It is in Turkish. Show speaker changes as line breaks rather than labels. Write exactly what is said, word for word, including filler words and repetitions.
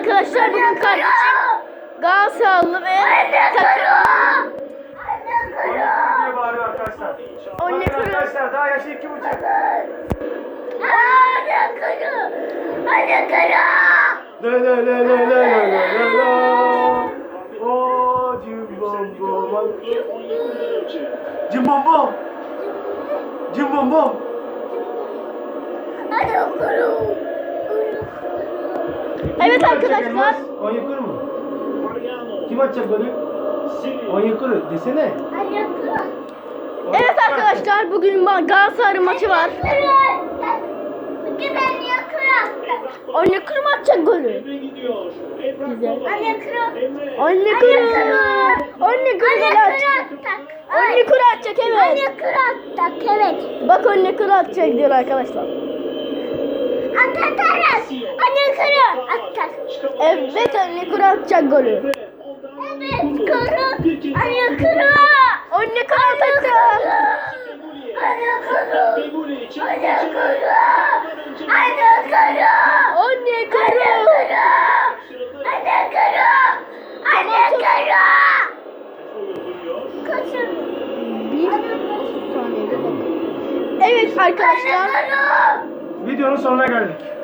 arkadaşlar, bugün kardeşim Galatasaraylı ve takım.
diye bağırıyor arkadaşlar.
Anne
Bakın
kuru.
arkadaşlar, daha yaşı iki buçuk.
Anne kuru. Anne kuru.
La la la la la la la la. Oh, cimbom bom. Cimbom bom. Cimbom bom.
Anne kuru. Evet arkadaşlar.
Onyekuru mu? Kim atacak golü? Onyekuru desene.
Anne kuru. Evet arkadaşlar, bugün Galatasaray maçı var. Bugün anne kuru. Anne kuru mu atacak golü? Güzel. Anne kuru. Anne kuru. Anne kuru gol atacak. Anne kuru atacak, evet. Anne kuru atacak, evet. Bak, anne kuru atacak diyor arkadaşlar. Atarız. Anne kuru atacak. Evet, anne kuru atacak golü. Evet, kuru. Anne kuru. Anne kuru atacak. Anne kuru. Anne kuru. Anne kuru. Anne kuru. Anne kuru. Anne kuru. Kaçın. Bir saniyede bakın. Evet arkadaşlar.
Videonun sonuna geldik.